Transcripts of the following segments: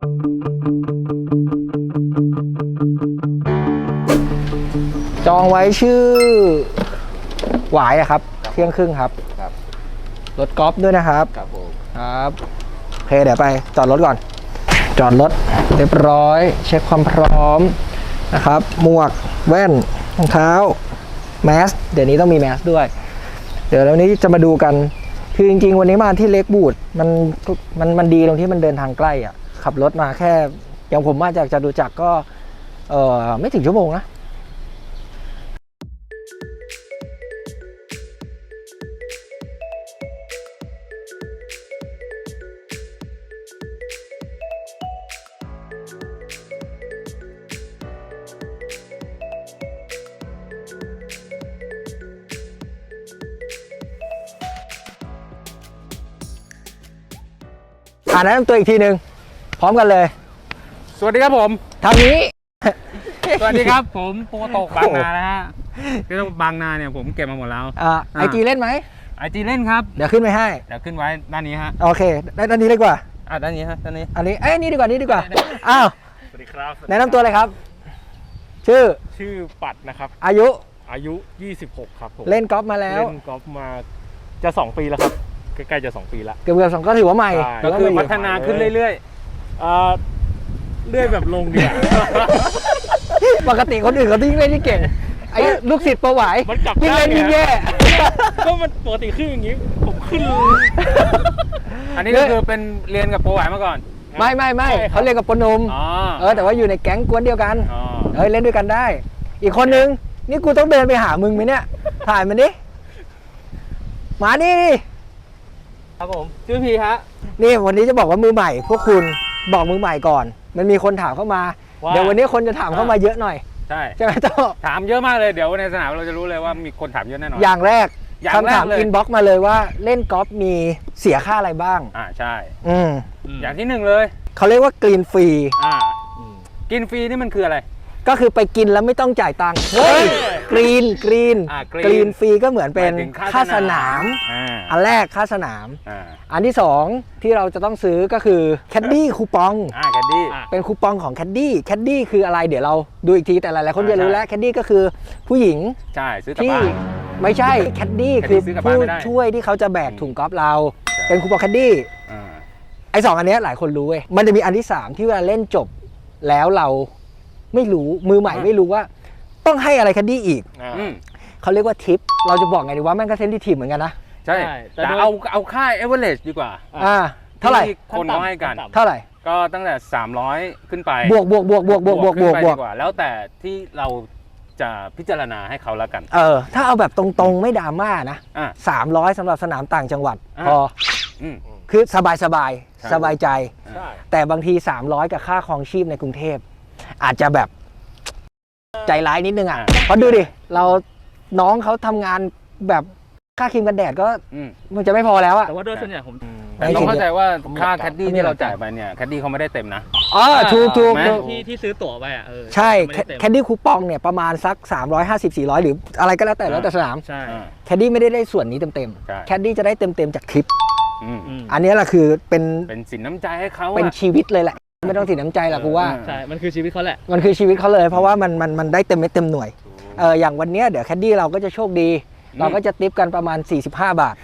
จองไว้ชื่อหวายอะครับเที่ยงครึ่งครับรถกอล์ฟด้วยนะครับครับโอเคเดี๋ยวไปจอดรถก่อนจอดรถเรียบร้อยเช็คความพร้อมนะครับหมวกแว่นรองเท้าแมสเดี๋ยวนี้ต้องมีแมสด้วยเดี๋ยววันนี้จะมาดูกันคือจริงๆวันนี้มาที่เล็กบูดมันดีตรงที่มันเดินทางใกล้อ่ะขับรถมาแค่อย่างผมมาจากจตุจักรก็ไม่ถึงชั่วโมงนะแนะนำตัวอีกทีหนึ่งพร้อมกันเลยสวัสดีครับผมทางนี้สวัสดีครับผมโปโตกบางนานะฮะคือบางนาเนี่ยผมเก็บมาหมดแล้วไอจีเล่นไหมไอจีเล่นครับเดี๋ยวขึ้นไปให้เดี๋ยวขึ้นไว้ด้านนี้ฮะโอเคด้านนี้ดีกว่าด้านนี้ฮะด้านนี้อันนี้นี่ดีกว่าอ้าวสวัสดีครับแนะนำตัวเลยครับชื่อปัดนะครับอายุ 26ครับผมเล่นกอล์ฟมาแล้วเล่นกอล์ฟมาจะ2ปีแล้วครับใกล้ๆจะ2ปีแล้วเกือบ2ก็ถือว่าใหม่ก็คือพัฒนาขึ้นเรื่อยๆเรื่อยแบบลงดีปกติคนอื่นเขาทิ้งเล่นที่เก่งไอ้ลูกศิษย์ประหวายยิ่งเล่นยิ่งแย่ก็มันปกติขึ้นอย่างนี้ผมขึ้นอันนี้ก็คือเป็นเรียนกับประหวายมาก่อนไม่เขาเรียนกับปนมแต่ว่าอยู่ในแก๊งกวนเดียวกันเล่นด้วยกันได้อีกคนนึงนี่กูต้องเดินไปหามึงไหมเนี่ยถ่ายมันดิมานี่ครับผมชื่อพีฮะนี่วันนี้จะบอกว่ามือใหม่พวกคุณบอกมือใหม่ก่อนมันมีคนถามเข้ามาเดี๋ยววันนี้คนจะถามเข้ามาเยอะหน่อยใช่ไหมโต้ถามเยอะมากเลยเดี๋ยวในสนามเราจะรู้เลยว่ามีคนถามเยอะแน่นอนอย่างแรกคำถามอินบ็อกซ์มาเลยว่าเล่นกอล์ฟมีเสียค่าอะไรบ้างใช่อย่างที่1เลยเขาเรียกว่ากรีนฟรีกินฟรีนี่มันคืออะไรก็คือไปกินแล้วไม่ต้องจ่ายตังค์เฮ้ยกรีนฟรีก็เหมือนเป็นค่าสนามอันแรกค่าสนามอันที่2ที่เราจะต้องซื้อก็คือแคดดี้คูปองแคดดี้เป็นคูปองของแคดดี้คืออะไรเดี๋ยวเราดูอีกทีแต่หลายๆคนจะรู้แล้วแคดดี้ก็คือผู้หญิงใช่ซื้อกลับบ้านไม่ใช่แคดดี้คือผู้ช่วยที่เขาจะแบกถุงกอล์ฟเราเป็นคูปองแคดดี้ไอ้2อันนี้หลายคนรู้เว้ยมันจะมีอันที่3ที่เวลาเล่นจบแล้วเราไม่รู้มือใหม่ไม่รู้ว่าต้องให้อะไรแคดดี้อีกเขาเรียกว่าทิปเราจะบอกไงดีว่าแม่งก็เซนซิทีฟเหมือนกันนะใช่แต่เอาค่า average ดีกว่าเท่าไหร่คนน้อยกันเท่าไหร่ก็ตั้งแต่300ขึ้นไปบวกกว่าแล้วแต่ที่เราจะพิจารณาให้เขาแล้วกันถ้าเอาแบบตรงๆไม่ดราม่านะ300สำหรับสนามต่างจังหวัดพอคือสบายใจแต่บางที300กับค่าครองชีพในกรุงเทพอาจจะแบบใจร้ายนิดนึงเพราะดูดิเราน้องเขาทำงานแบบค่าครีมกันแดดก็มันจะไม่พอแล้วแต่ว่าโดยส่วนใหญ่ผมต้องเข้าใจว่าค่าแคดดี้ที่เราจ่ายไปเนี่ยแคดดี้เขาไม่ได้เต็มนะถูกที่ซื้อตั๋วไปใช่แคดดี้คูปองเนี่ยประมาณสัก350-400หรืออะไรก็แล้วแต่สนามแคดดี้ไม่ได้ส่วนนี้เต็มแคดดี้จะได้เต็มจากทริปอันนี้แหละคือเป็นสินน้ำใจให้เขาเป็นชีวิตเลยแหละไม่ต้องสินน้ำใจหรอกกูว่าใช่มันคือชีวิตเขาแหละมันคือชีวิตเขาเลยเพราะว่ามันได้เต็มเม็ดเต็มหน่วยอย่างวันนี้เดี๋ยวแคดดี้เราก็จะโชคดีเราก็จะติปกันประมาณ45 บาท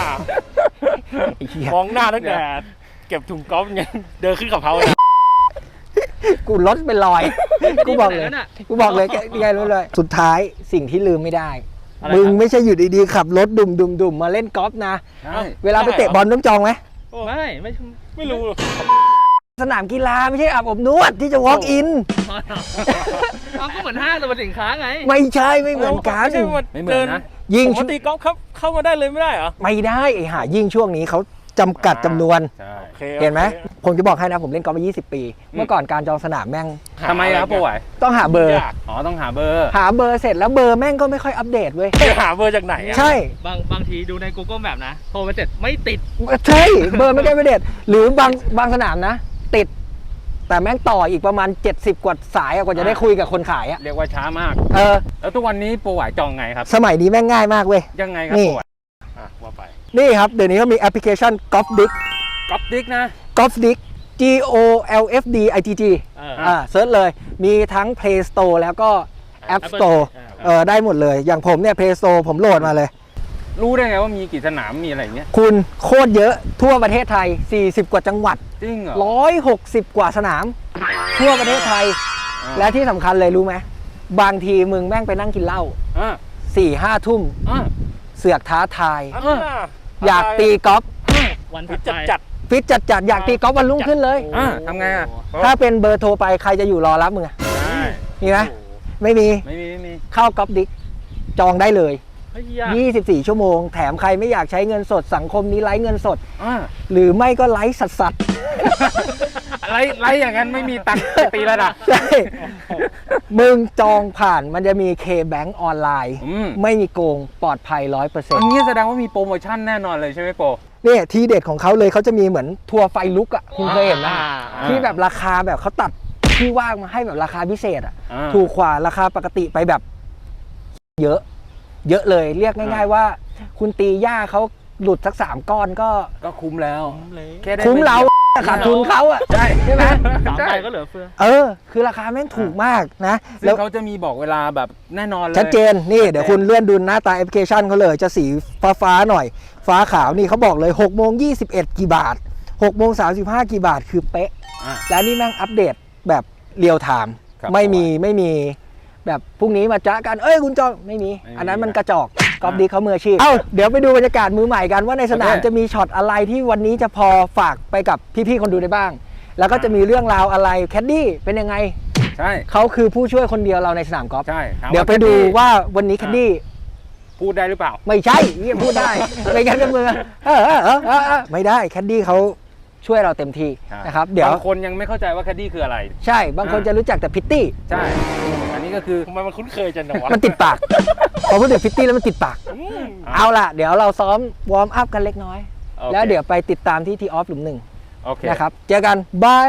มองหน้าตั้งแต่เก็บถุงกอล์ฟเนี่ยเดินขึ้นกับเขากูลดเป็นรอยกูบอกเลยไงรู้เลยสุดท้ายสิ่งที่ลืมไม่ได้มึงไม่ใช่อยู่ดีๆขับรถดุ่มมาเล่นกอล์ฟนะเวลาไปเตะบอลต้องจองไหมไม่รู้สนามกีฬาไม่ใช่อาบอบนวดที่จะ walk in ก็เหมือนห้างแต่เป็นสินค้าไงไม่ใช่ไม่เหมือนกันไม่เหมือนนะยิ่งปกติกอล์ฟเข้ามาได้เลยไม่ได้เหรอไม่ได้ไอ้ห่ายิ่งช่วงนี้เขาจำกัดจำนวนเห็นไหมผมจะบอกให้นะผมเล่นกอล์ฟมา20 ปีเมื่อก่อนการจองสนามแม่งทำไมครับป่วยต้องหาเบอร์ต้องหาเบอร์เสร็จแล้วเบอร์แม่งก็ไม่ค่อยอัปเดตเว้ยหาเบอร์จากไหนใช่บางทีดูใน Google Map นะโทรไปเสร็จไม่ติดใช่เบอร์ไม่ได้อัปเดตหรือบางสนามนะติดแต่แม่งต่ออีกประมาณ70กว่าสายกว่าจะได้คุยกับคนขายเรียกว่าช้ามากแล้วทุกวันนี้โปรหวายจองไงครับสมัยนี้แม่งง่ายมากเว้ยยังไงครับโปรหวายว่าไปนี่ครับเดี๋ยวนี้ก็มีแอปพลิเคชัน Golf Dick นะ Golf Dick GOLFDITG เซิร์ชเลยมีทั้ง Play Store แล้วก็ App Store ได้หมดเลยอย่างผมเนี่ย Play Store ผมโหลดมาเลยรู้ได้ไงว่ามีกี่สนามมีอะไรเงี้ยคุณโคตรเยอะทั่วประเทศไทย40กว่าจังหวัดจริงเหรอ 160กว่าสนาม ทั่วประเทศไทย และที่สำคัญเลยรู้ไหมบางทีมึงแม่งไปนั่งกินเหล้า 4-5 ทุ่มเสือกท้าทาย อยากตีกอล์ฟวันถัดไปฟิตจัดอยากตีกอล์ฟวันรุ่งขึ้นเลยทำไงอ่ะถ้าเป็นเบอร์โทรไปใครจะอยู่รอรับมึงอะใช่มีไหมไม่มีไม่มีเข้ากอล์ฟดิกจองได้เลยเฮ้ย 24 ชั่วโมงแถมใครไม่อยากใช้เงินสดสังคมนี้ไร้เงินสดอ่าหรือไม่ก็ไร้สัสไรอย่างนั้นไม่มีตังค์ตีแล้วนะๆใช่มึงจองผ่านมันจะมี K-Bank ออนไลน์ ไม่มีโกงปลอดภัยอันนี้แสดงว่ามีโปรโมชั่นแน่นอนเลยใช่ไหมโปร 100%เนี่ยทีเด็ดของเขาเลยเขาจะมีเหมือนทัวร์ไฟลุกอ่ะคุณเคยเห็นไหมที่แบบราคาแบบเขาตัดที่ว่างมาให้แบบราคาพิเศษอ่ะถูกกว่าราคาปกติไปแบบเยอะเลยเรียกง่ายๆว่า คุณตีหญ้าเขาหลุดสัก3 ก้อนก็คุ้มแล้วแค่ได้คุ้มเราขาดทุนเขาอ่ะใช่ไหม 3 ใบก็เหลือเฟือคือราคาแม่งถูกมากนะซึ่แล้งวเขาจะมีบอกเวลาแบบแน่นอนเลยชัดเจนนี่เดี๋ยวคุณเลื่อนดูหน้าตาแอปพลิเคชันเขาเลยจะสีฟ้าหน่อย ฟ้าขาวนี่เขาบอกเลย6:21กี่บาท6:35กี่บาทคือเป๊ะ แล้วนี่แม่งอัปเดตแบบเรียลไทม์ไม่มีแบบพรุ่งนี้มาจ้ากันคุณจองไม่มีอันนั้นมันกระจอกกอล์ฟดีเขามืออาชีพเดี๋ยวไปดูบรรยากาศมือใหม่กันว่าในสนามจะมีช็อตอะไรที่วันนี้จะพอฝากไปกับพี่ๆคนดูได้บ้าง แล้วก็จะมีเรื่องราวอะไรแคดดี้เป็นยังไงใช่เขาคือผู้ช่วยคนเดียวเราในสนามกอล์ฟใช่ถามเดี๋ยวไปดูว่าวันนี้แคดดี้พูดได้หรือเปล่าไม่ใช่นี่พูดได้ไม่งั้นกันมือไม่ได้แคดดี้เขาช่วยเราเต็มที่นะครับเดี๋ยวบางคนยังไม่เข้าใจว่าแคดดี้คืออะไรใช่บางคนจะรู้จักแต่พิตตี้ใช่อันนี้ก็คือทำไมมันคุ้นเคยจังนะวะมันติดปากพอพูดถึงพิตตี้แล้วมันติดปากเอาล่ะเดี๋ยวเราซ้อมวอร์มอัพกันเล็กน้อย แล้วเดี๋ยวไปติดตามที่ทีออฟหลุม 1 โอเคนะครับเจอกันบาย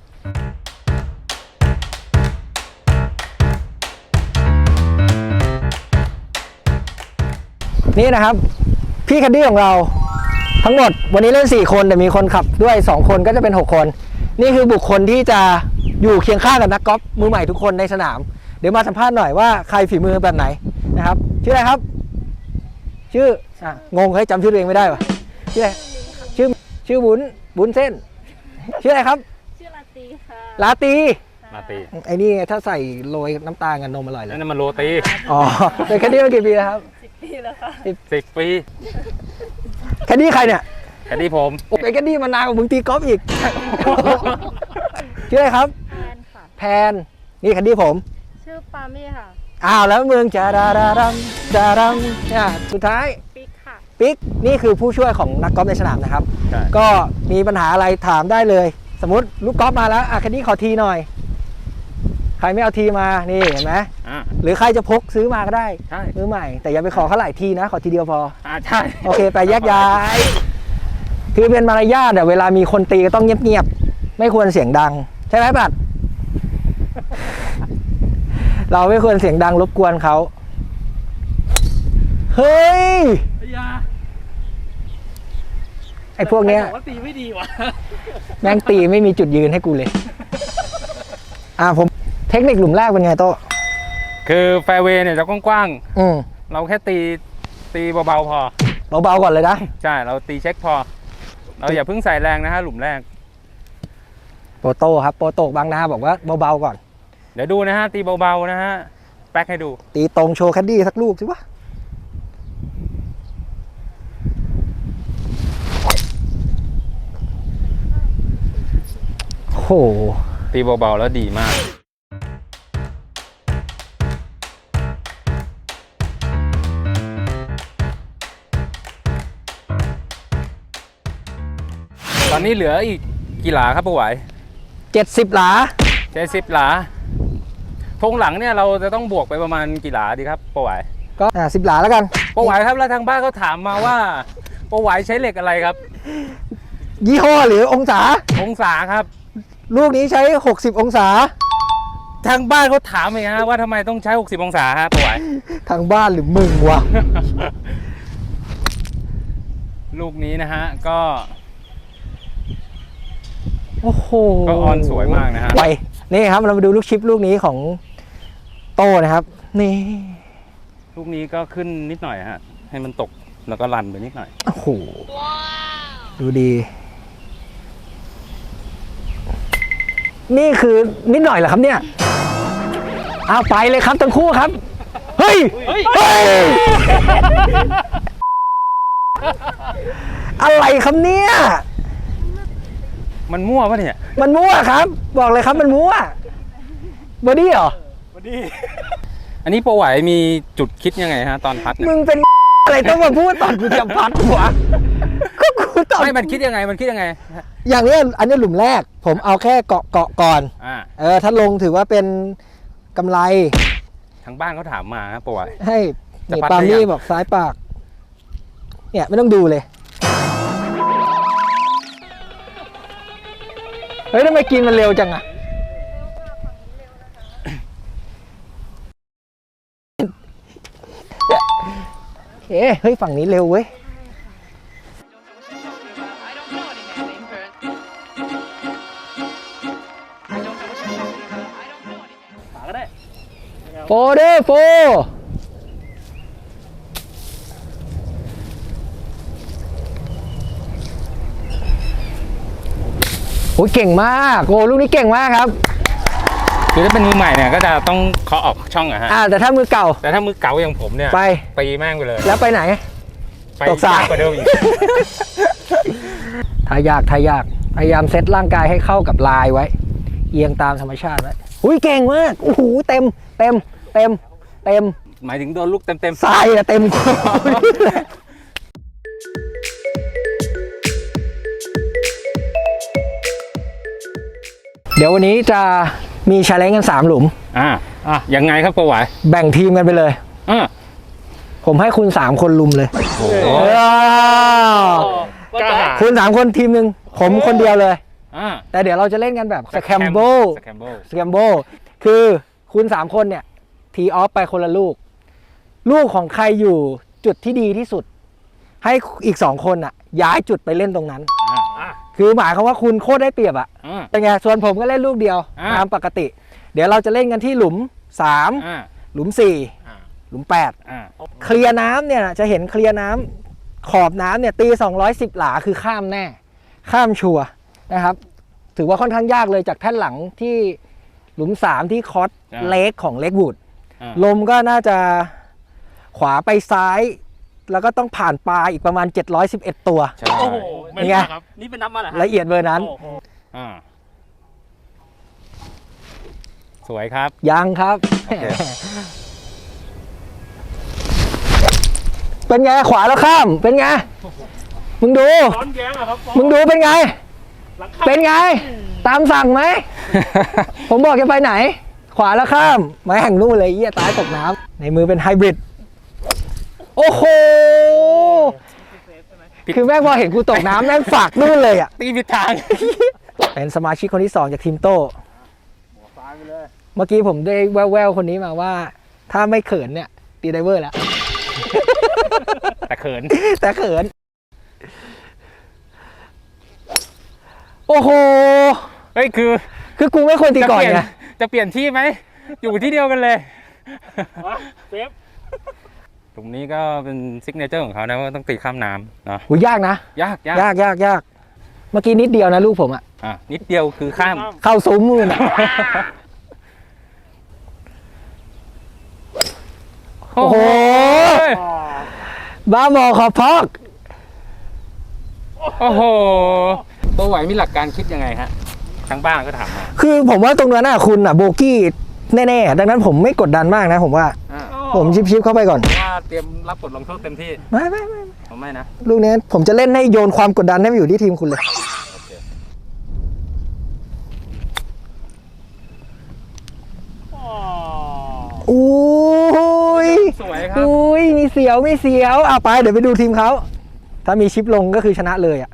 นี่นะครับพี่แคดดี้ของเราทั้งหมดวันนี้เล่น4 คนแต่มีคนขับด้วย2 คนก็จะเป็น6 คนนี่คือบุคคลที่จะอยู่เคียงข้างกับนักกอล์ฟมือใหม่ทุกคนในสนามเดี๋ยวมาสัมภาษณ์หน่อยว่าใครฝีมือแบบไหนนะครับชื่ออะไรครับชื่องงจำชื่อตัวเองไม่ได้วะชื่ออะไรชื่อบุญเส้นชื่ออะไรครับชื่อลาตีค่ะลาตีมาตีไอ้นี่ถ้าใส่โรยน้ำตาลกับนมอร่อยเลยนั่นมันโรตีอ๋อเป็นแคดดี้มากี่ปีแล้วครับ 10 ปีแล้วค่ะ 10 ปีแคดดี้ใครเนี่ยแคดดี้ผมเป็นแคดดี้มานานกว่ามึงตีกอล์ฟอีก ชื่ออะไรครับแฟนค่ะแพนนี่แคดดี้ผมชื่อปามี่ค่ะอ้าวแล้วเมืองจาดาเนี่ยสุดท้ายปิ๊กค่ะปิ๊กนี่คือผู้ช่วยของนักกอล์ฟในสนามนะครับใช่ก็มีปัญหาอะไรถามได้เลย สมมติลูกกอล์ฟมาแล้วแคดดี้ขอทีหน่อย ใครไม่เอาทีมานี่เห็นไหมหรือใครจะพกซื้อมาก็ได้ใช่มือใหม่แต่อย่าไปขอเขาหลายทีนะขอทีเดียวพอใช่โอเคไปแยกย้าย คือเป็นมารยาทเวลามีคนตีก็ต้องเงียบๆไม่ควรเสียงดัง ใช่ไหมปัด เราไม่ควรเสียงดังรบกวนเขาเฮ้ยยาไอ้พวกเนี้ยบอกว่าตีไม่ดีวะแม่งตีไม่มีจุดยืนให้กูเลย ผมเทคนิคหลุมแรกเป็นไงโต้คือแฟร์เวย์เนี่ยจะกว้างอืมๆเราแค่ตีเบาๆพอเบาๆก่อนเลยนะใช่เราตีเช็คพอ เราอย่าเพิ่งใส่แรงนะฮะหลุมแรกโปโต้ครับโปโต้บางนาบอกว่าเบาๆก่อนเดี๋ยวดูนะฮะตีเบาๆนะฮะแป๊กให้ดูตีตรงโชว์แคดดี้สักลูกสิวะโหตีเบาๆแล้วดีมาก ตอนนี้เหลืออีกกี่หลาครับปู่ไหว 70 หลา 70 หลาธงหลังเนี่ยเราจะต้องบวกไปประมาณกี่หลาดีครับปู่ไหวก็10 หลาแล้วกันปู่ไหวครับแล้วทางบ้านเขาถามมาว่าปู่ไหวใช้เหล็กอะไรครับยี่ห้อหรือองศาองศาครับลูกนี้ใช้60 องศาทางบ้านเขาถามเองฮะว่าทำไมต้องใช้60 องศาฮะปู่ไหวทางบ้านหรือมึงวะลูกนี้นะฮะก็โอ้โหก็ออนสวยมากนะฮะไปนี่ครับเรามาดูลูกชิปลูกนี้ของโต้นะครับ นี่ลูกนี้ก็ขึ้นนิดหน่อยฮะ ให้มันตกแล้วก็รันไปนิดหน่อยโอ้โหดูดี นี่คือนิดหน่อยเหรอครับเนี่ยเอาไปเลยครับทั้งคู่ครับ เฮ้ย เฮ้ย อะไรครับเนี่ยมันมั่วปะเนี่ยมันมั่วครับ บอกเลยครับมันมั่วบอดี้เหรออันนี้โปรไหวมีจุดคิดยังไงฮะตอนพัดเนี่ยมึงเป็น อะไรต้องมาพูดตอนกูจะพัดหัวก็กูตอนไม่มันคิดยังไงมันคิดยังไงอย่างเนี้ยอันนี้หลุมแรก ผมเอาแค่เกาะก่อนอ่าถ้าลงถือว่าเป็นกำไรทางบ้านเขาถามมาฮะโปรไหวให้จะนี่พัดปาล์มได้ยังนี่บอกซ้ายปาก เนี่ยไม่ต้องดูเลย เฮ้ยทำไมกินมันเร็วจังอะเฮ้ยฝั่งนี้เร็วเว้ยฝาก็ได้โฟเด้อโฟโอ้ยเก่งมากโอ้ลูกนี้เก่งมากครับคือถ้าเป็นมือใหม่เนี่ยก็จะต้องเคาะออกช่องอะฮะแต่ถ้ามือเก่าแต่ถ้ามือเก่าอย่างผมเนี่ยไปตีแม่งไปเลยแล้วไปไหนไปตกทรายกว่าเดิมอีกทายากพยายามเซตร่างกายให้เข้ากับลายไว้ เอียงตามธรรมชาติไว้อุ้ยเก่งมากโอ้โหเต็มหมายถึงโดนลูกเต็มทรายอะเต็ม เดี๋ยววันนี้จะมีชาเลนจ์กัน3หลุมยังไงครับโปรไหวแบ่งทีมกันไปเลยอ่าผมให้คุณ3คนลุมเลยโอ้โหกล้าหาญคุณ3คนทีมหนึ่งผมคนเดียวเลยอ่าแต่เดี๋ยวเราจะเล่นกันแบบสแคมโบสแคมโบสแคมโบคือคุณ3คนเนี่ยทีออฟไปคนละลูก ลูกของใครอยู่จุดที่ดีที่สุด ให้อีก2คนอ่ะ ย้ายจุดไปเล่นตรงนั้น คือหมายความว่าคุณโคตรได้เปรียบอ่ะ เป็นไงส่วนผมก็เล่นลูกเดียวตามปกติ เดี๋ยวเราจะเล่นกันที่หลุม3หลุม4หลุม8เคลียร์น้ำเนี่ยจะเห็นเคลียร์น้ำขอบน้ำเนี่ยตี210หลาคือข้ามแน่ ข้ามชัวร์นะครับ ถือว่าค่อนข้างยากเลยจากแท่นหลังที่หลุม3ที่คอสเล็กของเล็กวูดลมก็น่าจะขวาไปซ้าย แล้วก็ต้องผ่านปลาอีกประมาณ711ตัวใช่โอ้โหไม่เป็นไงครับ นี่เป็นน้ำมาเหรอฮะละเอียดเบอร์นั้นโอ้โหอ่าสวยครับยังครับโอเคเป็นไงขวาแล้วข้าม เป็นไง มึงดูร้อนแย้งอะครับมึงดูเป็นไงหลังคาเป็นไง ตามสั่งไหม ผมบอกจะไปไหน ขวาแล้วข้ามมาแห่งนู่นเลยเยี่ยตายตกน้ำในมือเป็นไฮบริด โอ้โห คือแม่งพอเห็นกูตกน้ำแม่งฝากนู่นเลยอ่ะตีผิดทางเป็นสมาชิกคนที่ 2 จากทีมโต้ซ้ายไปเลยเมื่อกี้ผมได้แววๆคนนี้มาว่า ถ้าไม่เขินเนี่ย ตีไดเวอร์แล้วแต่เขินแต่เขิน โอ้โหเฮ้ยคือคือกูไม่ควรตีก่อนไงจะเปลี่ยนที่ไหม อยู่ที่เดียวกันเลยเซฟตรงนี้ก็เป็นซิกเนเจอร์ของเขานะว่าต้องตีข้ามน้ำเนาะหูยากนะยากยาก เมื่อกี้นิดเดียวนะลูกผมอะนิดเดียวคือข้ามเข้าซุ้มมือน่ะ โอ้โห บ้าบอขอพอกโอ้โหตัวไหวมีหลักการคิดยังไงฮะทางบ้านก็ถามมาคือผมว่าตรงนั้นน่ะคุณอ่ะโบกี้แน่ๆ ดังนั้นผมไม่กดดันมากนะ ผมว่า ผมชิปๆเข้าไปก่อนว่าเตรียมรับบทลงโทษเต็มที่ไม่ผมไม่นะลูกนี้ผมจะเล่นให้โยนความกดดันให้มาอยู่ที่ทีมคุณเลยโอเคอุ้ยสวยครับอุ้ยมีเสียวไปเดี๋ยวไปดูทีมเขา ถ้ามีชิปลงก็คือชนะเลยอ่ะ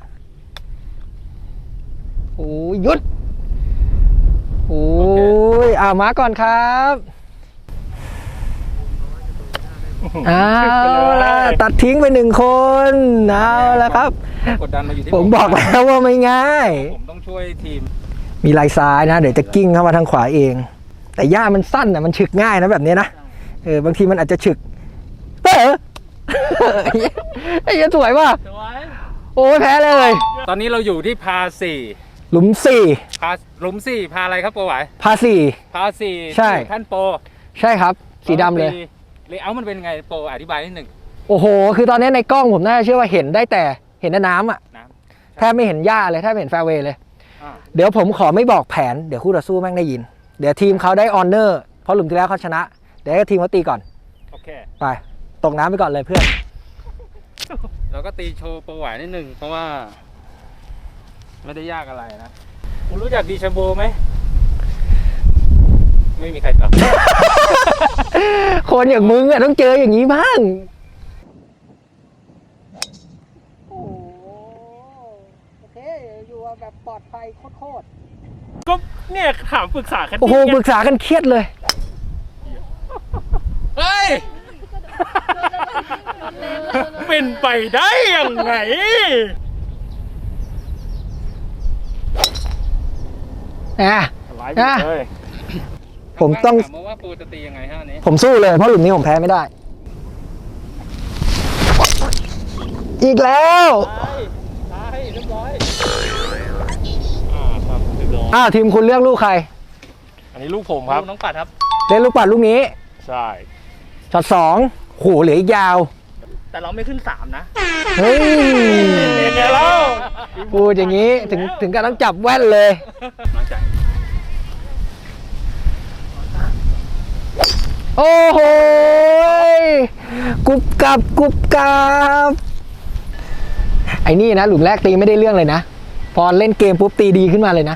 โอ้ยหยุดโอ้ยมาก่อนครับเอาละตัดทิ้งไป1 คนเอาละครับกดดันมาอยู่ที่ผมบอกแล้วว่าไม่ง่ายผมต้องช่วยทีมมีลายซ้ายนะ เดี๋ยวจะกิ้งเข้ามาทางขวาเอง แต่หญ้ามันสั้นนะมันฉึกง่ายนะแบบนี้นะบางทีมันอาจจะฉึกไอ้ยังสวยว่ะสวยโอ้ยแพ้เลยตอนนี้เราอยู่ที่พาสี่หลุมสี่พาหลุมสี่พาอะไรครับโปรไหวพาสี่พาสี่ใช่ท่านโปรใช่ครับ สีดำเลยเลเยอร์มันเป็นไงโปรอธิบายนิดหนึ่งโอ้โห คือตอนนี้ในกล้องผมน่าจะเชื่อว่าเห็นได้แต่เห็นแต่น้ำอ่ะน้แทบไม่เห็นหญ้าเลยแทบไม่เห็นแฟร์เวย์เลยำอ่าเดี๋ยวผมขอไม่บอกแผน เดี๋ยวคู่ต่อสู้แม่งได้ยิน เดี๋ยวทีมเขาได้ออนเนอร์ เพราะหลุมที่แล้วเขาชนะ เดี๋ยวให้ทีมเขาตีก่อนโอเคไป ตกน้ำไปก่อนเลยเพื่อนเราก็ตีโชว์โปรไหวนิดหนึ่งเพราะว่า ไม่ได้ยากอะไรนะคุณรู้จักดีชาโบไหมไม่มีใครตอบคนอย่างมึงอ่ะต้องเจออย่างนี้บ้าง โอ้โอเค อยู่แบบปลอดภัยโคตรก็เนี่ยถามปรึกษากันโอ้โห ปรึกษากันเครียดเลยเฮ้ยเป็นไปได้ยังไงอ่ะไลฟ์อยู่เลยผมต้องถามมาว่าโปรจะตียังไงฮะอันนี้ผมสู้เลย เพราะหลุมนี้ผมแพ้ไม่ได้ อีกแล้วตายเรียบร้อยครับเรียบร้อยอ้าวทีมคุณเลือกลูกใครอันนี้ลูกผมครับน้องปัดครับเล่นลูกปัดลูกนี้ใช่ช็อตสองโหเหลืออีกยาวแต่เราไม่ขึ้น3นะเฮ้ยเป็นไงเล่าพูดอย่างนี้ถึงกับต้องจับแว่นเลยน้อยใจโอ้โหยกุบกับไอ้นี่นะหลุมแรกตีไม่ได้เรื่องเลยนะ พอเล่นเกมปุ๊บตีดีขึ้นมาเลยนะ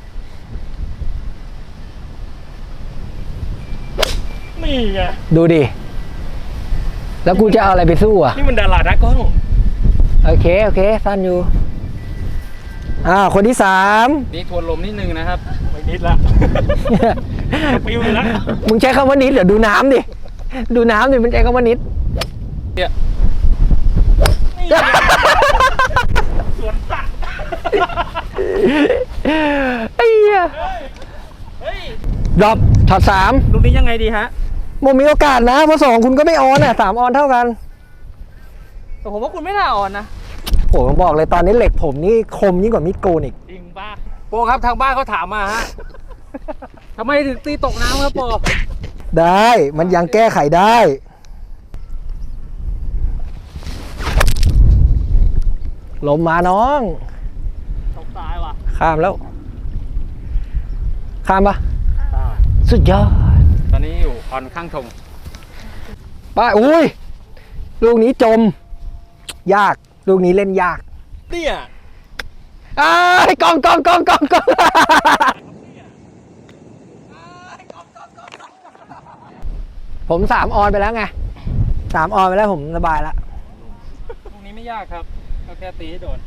นี่ไงดูดิ แล้วกูจะเอาอะไรไปสู้อ่ะนี่มันดาราหน้ากล้องโอเคสั้นอยู่คนที่สามนี่ทวนลมนิดนึงนะครับไม่นิดละปิวอยู่ละมึงใช้คำว่านิดเดี๋ยวดูน้ำดิ ดูน้ำดิมึงใช้คำว่านิดเนี่ยนี่ไงสวนสัตว์ไอ้เหี้ยเฮ้ยดรอปช็อตสามลูกนี้ยังไงดีฮะผมมีโอกาสนะเพราะสองคุณก็ไม่ออนอ่ะ3 ออนเท่ากันแต่ผมว่าคุณไม่น่าอ่อนนะโหผมบอกเลยตอนนี้เหล็กผมนี่คมยิ่งกว่ามีดโกนอีกจริงป่ะโปรครับทางบ้านเขาถามมาฮะ ทำไมถึงตีตกน้ำครับโปรได้มันยังแก้ไขได้ ลมมาน้องตกตายว่ะข้ามแล้ว ข้ามปะสุดยอดตอนนี้อยู่ออนข้างทงไปอุ้ย ลูกนี้จม ยาก ลูกนี้เล่นยากเนี่ยกองผม3 ออนไปแล้วไง3 ออนไปแล้วผมสบายแล้วตรงนี้ไม่ยากครับ ก็แค่ตีให้โดน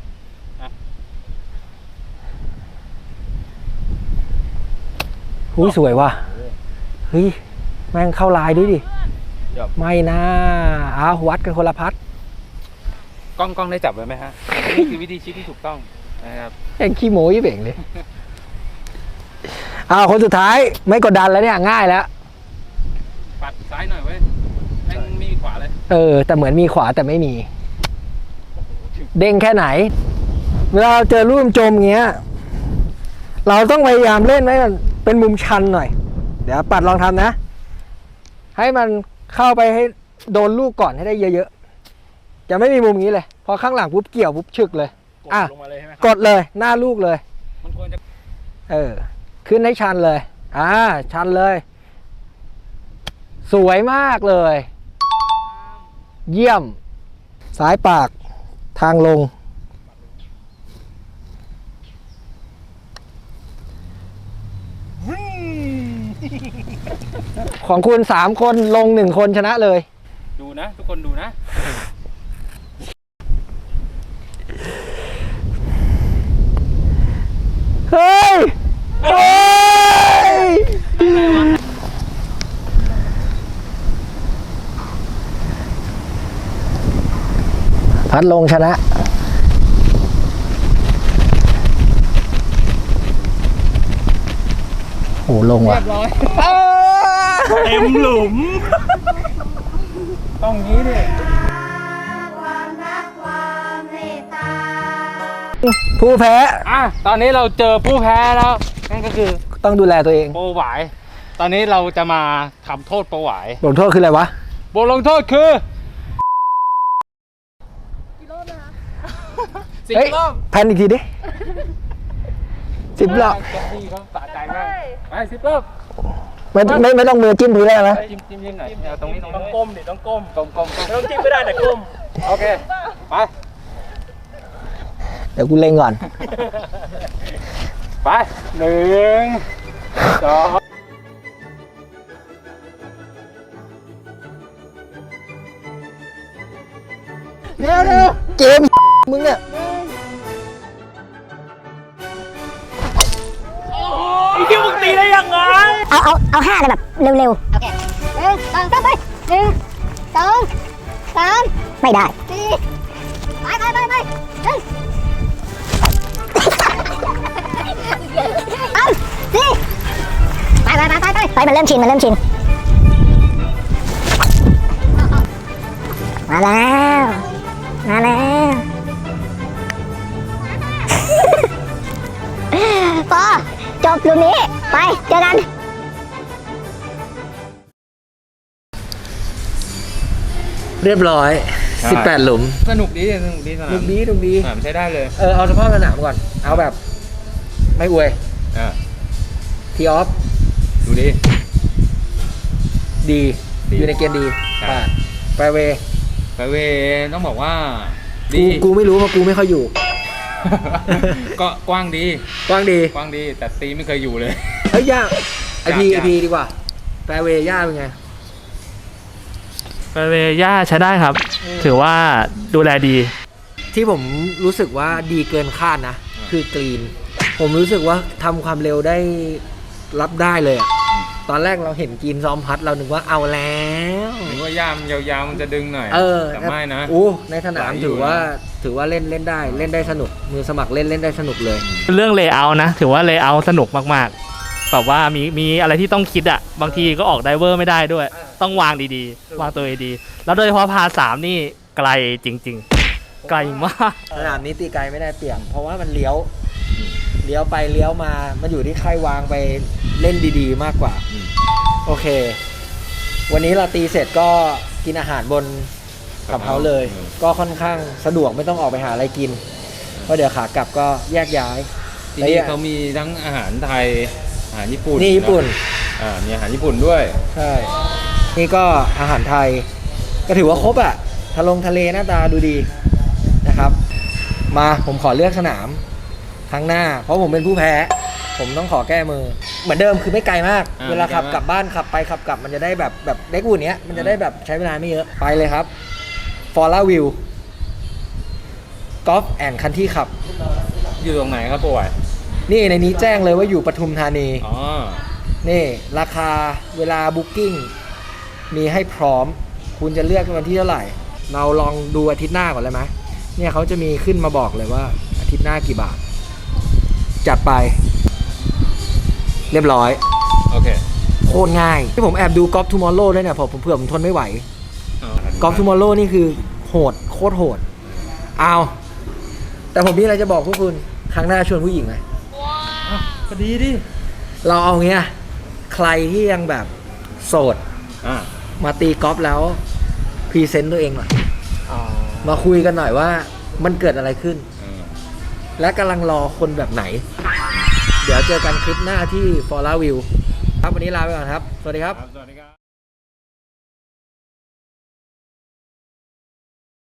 อุ้ยสวยว่ะ เฮ้ย แม่งเข้าลายด้วยดิ ไม่นะวัดกันคนละพัดกล้องได้จับไว้ไหมฮะ นี่คือวิธีชี้ที่ถูกต้องนะครับแม่งขี้โม้ยี่เบ่งเลย คนสุดท้ายไม่กดดันแล้วเนี่ยง่ายแล้วปัดซ้ายหน่อยเว้ยแม่งมีขวาเลยแต่เหมือนมีขวาแต่ไม่มี เด้งแค่ไหน เวลาเราเจอลูกจมเงี้ย เราต้องพยายามเล่นให้มันเป็นมุมชันหน่อย เดี๋ยวปัดลองทำนะ ให้มันเข้าไปให้โดนลูกก่อนให้ได้เยอะๆ จะไม่มีมุมนี้เลย พอข้างหลังปุ๊บเกี่ยวปุ๊บฉึกเลยกดลงมาเลยใช่ไหมกดเลยหน้าลูกเลยมันควรจะขึ้นให้ชันเลย ชันเลย สวยมากเลย เยี่ยม ซ้ายปากทางลง ของคุณ3 คนลง1 คนชนะเลยดูนะ ทุกคนดูนะเฮ้ย เฮ้ย พัดลงชนะโหลงว่ะเรียบร้อยเต็มหลุมต้องงี้ดิผู้แพ้อ่ะตอนนี้เราเจอผู้แพ้แล้วนั่นก็คือต้องดูแลตัวเองโปรหวายตอนนี้เราจะมาทำโทษโปรหวายลงโทษคืออะไรวะบทลงโทษคือ สิบเฮ้ยรอบแพนอีกทีดิ10 รอบเจ้าพี่เขาสะใจมากไป10 รอบไม่ต้องมือจิ้มพื้นแล้วนะจิ้มหน่อยเอาตรงนี้ต้องก้มดิต้องก้มกลมไม่ต้องจิ้มก็ได้แต่ก้มโอเคไปเดี๋ยวกูเล็งก่อนไป1 2 เดี๋ยวเกมมึงเนี่ยไอ้ที่มึงตีได้ยังไงเอาห้าเลยแบบเร็วๆ โอเค1 2 3ไป1 2 3ไม่ได้4ไป1 3 4ไปมันเริ่มชินมาแล้วพอจบลูกนี้ ไปเจอกันเรียบร้อย 18 หลุมสนุกดีสนุกดีสนามลูกดีสนามใช้ได้เลยเอาสภาพสนามก่อน เอาแบบ ไม่อวยอ่ะทีออฟดูดิดีดีอยู่ในเกณฑ์ดีใช่ผ่านแฟร์เวย์ไปเวต้องบอกว่ากูดีกูไม่รู้เพราะกูไม่ค่อยอยู่ก็กว้างดีกว้างดีกว้างดีแต่ตีไม่เคยอยู่เลยเฮ้ยยากไอพียากดีกว่าแฟร์เวย์ยากเป็นไงไปเวย่าใช้ได้ครับ ถือว่าดูแลดีที่ผมรู้สึกว่าดีเกินคาดนะ คือกรีน ผมรู้สึกว่าทำความเร็วได้รับได้เลยอะตอนแรกเราเห็นกรีนซ้อมพัดเรานึกว่าเอาแล้วหรือว่าย่ามยาวๆมันจะดึงหน่อย แต่ไม่นะโอ้ในสนามไหวอยู่ถือว่าเล่นได้สนุก มือสมัครเล่นได้สนุกเลยเรื่องเลเยอร์นะ ถือว่าเลเยอร์สนุกมากๆแบบว่ามีอะไรที่ต้องคิดอ่ะ บางทีก็ออกไดเวอร์ไม่ได้ด้วย ต้องวางดีๆ วางตัวดีๆแล้วโดยเฉพาะพา3นี่ไกลจริงๆ ไกลมากสนามนี้ตีไกลไม่ได้เปรียบเพราะว่ามันเลี้ยวไปเลี้ยวมา มันอยู่ที่ใครวางไปเล่นดีๆ มากกว่า โอเค วันนี้เราตีเสร็จก็กินอาหารบนกับเขาเลย ก็ค่อนข้างสะดวกไม่ต้องออกไปหาอะไรกิน เพราะเดี๋ยวขากลับก็แยกย้ายที่นี่เขามีทั้งอาหารไทยอาหารญี่ปุ่นนี่ญี่ปุ่นมีอาหารญี่ปุ่นด้วยใช่ นี่ก็อาหารไทย ก็ถือว่าครบอะทะเลหน้าตาดูดีนะครับ มาผมขอเลือกสนามครั้งหน้า เพราะผมเป็นผู้แพ้ ผมต้องขอแก้มือ เหมือนเดิมคือไม่ไกลมากอ่าเวลาขับไม่ไกลมากกลับบ้านขับไปขับกลับมันจะได้แบบเล็กกว่านี้มันจะได้แบบใช้เวลาไม่เยอะ ไปเลยครับ ฟอร์ลาวิวกอล์ฟแอนด์คันที่ขับอยู่ตรงไหนครับป่วยนี่ในนี้แจ้งเลยว่าอยู่ปทุมธานีอ๋อนี่ราคาเวลาบุ๊กิ้งมีให้พร้อม คุณจะเลือกวันที่เท่าไหร่ เราลองดูอาทิตย์หน้าก่อนเลยไหมเนี่ยเขาจะมีขึ้นมาบอกเลยว่าอาทิตย์หน้ากี่บาท จัดไป เรียบร้อยโอเคโคตรง่ายที่ผมแอบดูกอล์ฟทูมอร์โลด้วยเนี่ยผมเผื่อผมทนไม่ไหวกอล์ฟทูมอร์โลนี่คือโหดโคตรโหดเอาแต่ผมมีอะไรจะบอกพวกคุณครั้งหน้าชวนผู้หญิงไหมก็ดีดิเราเอาเงี้ยใครที่ยังแบบโสดอ่ามาตีกอล์ฟแล้วพรีเซนต์ตัวเองหน่อยมาคุยกันหน่อยว่ามันเกิดอะไรขึ้น และกำลังรอคนแบบไหน เดี๋ยวเจอกันคลิปหน้าที่ For La View ครับวันนี้ลาไปก่อนครับ สวัสดีครับสวัสดีครับ